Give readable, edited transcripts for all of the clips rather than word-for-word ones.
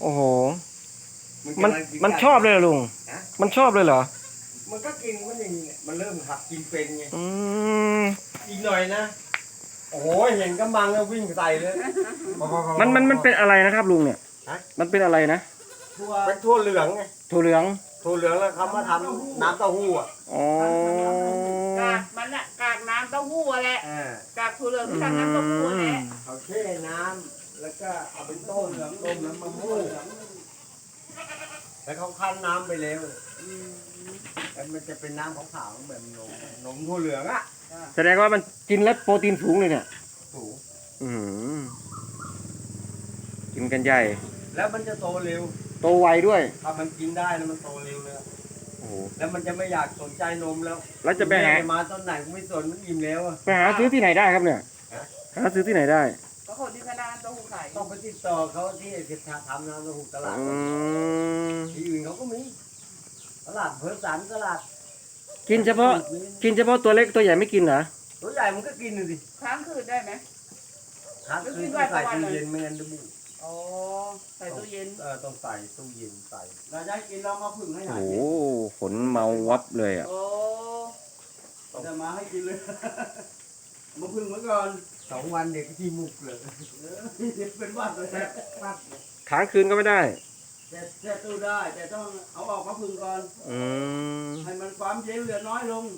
โอ้โหมันกำลังกิมันชอบเลยเหรอลุงฮะมันชอบเลยเหรอมันก็กินมันอย่างนี้มันเริ่มหัดกินเป็นไงอืมอีกหน่อยนะโอ้โหเห็นกำมังแล้ววิ่งใส่เลยมันเป็นอะไรนะครับลุงเนี่ยฮะมันเป็นอะไรนะเป็นทั่วเหลืองไงถั่วเหลืองถั่วเหลืองแล้วเขามาทำน้ำเต้าหู้อ่ะอ๋อกากมันอะกากน้ำเต้าหู้อะแหละอ่ากากถั่วเหลืองที่ทำน้ำเต้าหู้แหละเขาแช่น้ำแล้วก็เอาไปต้มน้ำมะม่วงแล้วเขาคั้นน้ำไปแล้วแล้วมันจะเป็นน้ำขาวๆแบบนมถั่วเหลืองอ่ะแสดงว่ามันกินแล้วโปรตีนสูงเลยเนี่ยถูกอืมกินกันใหญ่แล้วมันจะโตเร็วโตไวด้วยถ้ามันกินได้แล้วมันโตเร็วเลยโอ้โหแล้วมันจะไม่อยากสนใจนมแล้วแล้วจะไปหาแม่มาตอนไหนกูไม่สนมันอิ่มแล้วอะไปหาซื้อที่ไหนได้ครับเนี่ยฮะหาซื้อที่ไหนได้ก็คนที่คณะน้ำเต้าหู้ขายต้องไปติดต่อเขาที่ทำน้ำเต้าหู้ตลาดอืมที่อื่นเขาก็มีตลาดเพิร์สันตลาดกินเฉพาะตัวเล็กตัวใหญ่ไม่กินเหรอตัวใหญ่มันก็กินเลยสิค้างคืนได้ไหมค้างคืนต้องใส่ตู้เย็นไม่งั้นจะบุอ๋อใส่ตู้เย็นต้องใส่ตู้เย็นใส่เราจะให้กินเรามาพึ่งให้หโอ้น่อยโหฝนเมาวับเลยอ่ะโอ้จะมาให้กินเลย มาพึ่งไว้ก่อน2 วันเด็กที่มุกเลยเด็กเป็นวัดเลยวัดค้างคืนก็ไม่ได้แต่ตู้ได้แต่ต้องเอาออกมาพึ่งก่อนอืมให้มันความเย็นเหลือน้อยลง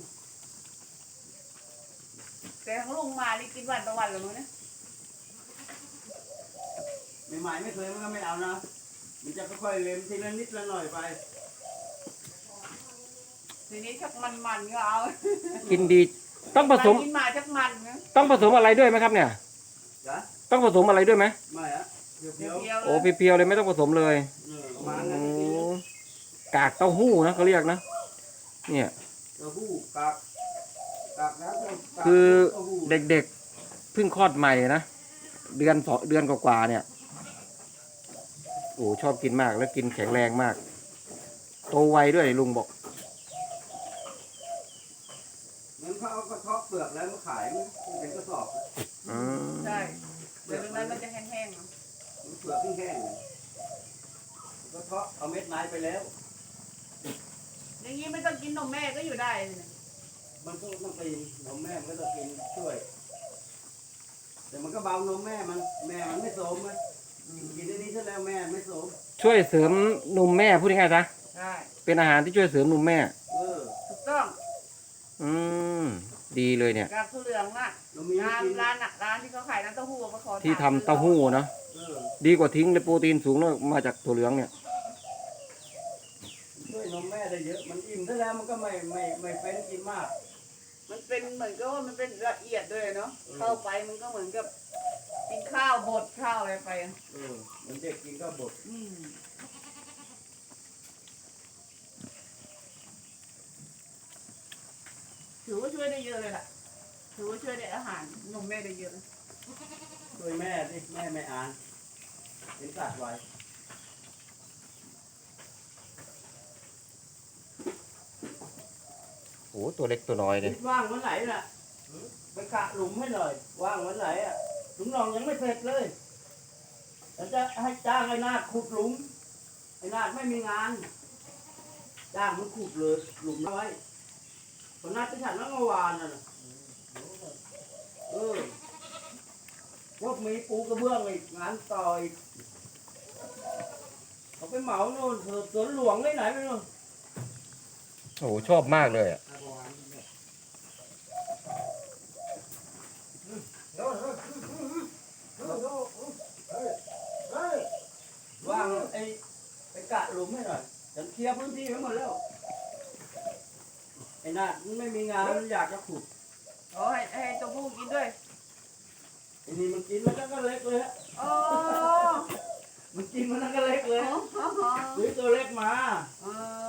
แต่ของลุงมานี่กินวันต่อวันเลยมั้งเนี่ยใหม่ๆไม่เคยมันก็ไม่เอานะ มันจะค่อยๆเล็มทีละนิดละหน่อยไปทีนี้ชักมันๆก็เอากินดีต้องผสมกินมาชักมันนะต้องผสมอะไรด้วยไหมครับเนี่ยจ้ะต้องผสมอะไรด้วยไหมไม่อะเพียวเพียวๆโอ้เลยเพียวๆเลยไม่ต้องผสมเลยๆมาโอ้งั้นกากเต้าหู้นะเขาเรียกนะ เนี่ยเต้าหู้กากน้ำกากคือเต้าหู้เด็กๆเพิ่งคลอดใหม่นะเดือนกว่าๆเนี่ยโอ้ชอบกินมากแล้วกินแข็งแรงมาก โตไวด้วยลุงบอกงั้นเขาเอากระเทาะเปลือกแล้วมาขายมันเป็นกระสอบอืมใช่เดี๋ยวตรงนั้นมันจะแห้งๆเนาะมันเปลือกแห้งๆกระเทาะเอาเม็ดไม้ไปแล้วอย่างนี้ไม่ต้องกินนมแม่ก็อยู่ได้เลยเนี่ยมันก็ต้องกินนมแม่มันก็ต้องกินช่วย แต่มันก็เบานมแม่มันไม่โสมเลยกินได้นี้ซะแล้วแม่ไม่โสมช่วยเสริมนมแม่พูดง่ายๆนะใช่เป็นอาหารที่ช่วยเสริมนมแม่ถูกต้องอืมดีเลยเนี่ยกากถั่วเหลืองอะเรามีให้ร้านกินร้านอะร้านที่เขาขายน้ำเต้าหู้มาขอที่ทำเต้าหู้เนาะเออดีกว่าทิ้งเลยโปรตีนสูงแล้วมาจากถั่วเหลืองเนี่ยช่วยนมแม่ได้เยอะ มันอิ่มซะแล้วมันก็ไม่เป็นกินมากมันเป็นเหมือนกับว่ามันเป็นละเอียดด้วยเนาะเข้าไปมันก็เหมือนกับกินข้าวบดข้าวอะไรไปอะมันเด็กกินก็บดอืมถือว่าช่วยได้เยอะเลยล่ะถือว่าช่วยได้อาหารนมแม่ได้เยอะเลยช่วยแม่ดิแม่ไม่อ่านเป็นสัตว์ไว้โอ้ตัวเล็กตัวน้อยเลยว่างวันไหนน่ะไปกะหลุมให้หน่อย ว่างวันไหนอ่ะหลุมนองยังไม่เสร็จเลยแล้วจะให้จ้างไอ้นาคขุดหลุมไอ้นาคไม่มีงาน จ้างมันขุดเลยหลุมเอาไว้คนนัดที่ฉันเมื่อวานน่ะพวกมีปูกระเบื้องอีกงานต่ออีกเขาไปเหมาโน่นสวนหลวงที่ไหนไม่รู้โอ้ชอบมากเลยอ่ะว่างไปกะหลุมให้หน่อยฉันเคลียร์พื้นที่ไว้หมดแล้วไอ้นามันไม่มีงานมันอยากจะขุดอ๋อให้เต้าหู้กินด้วยไอ้นี่มันกินมันก็เล็กเลยฮะอ๋อมันกินมันก็เล็กเลยอ๋อซื้อตัวเล็กมาอ๋อ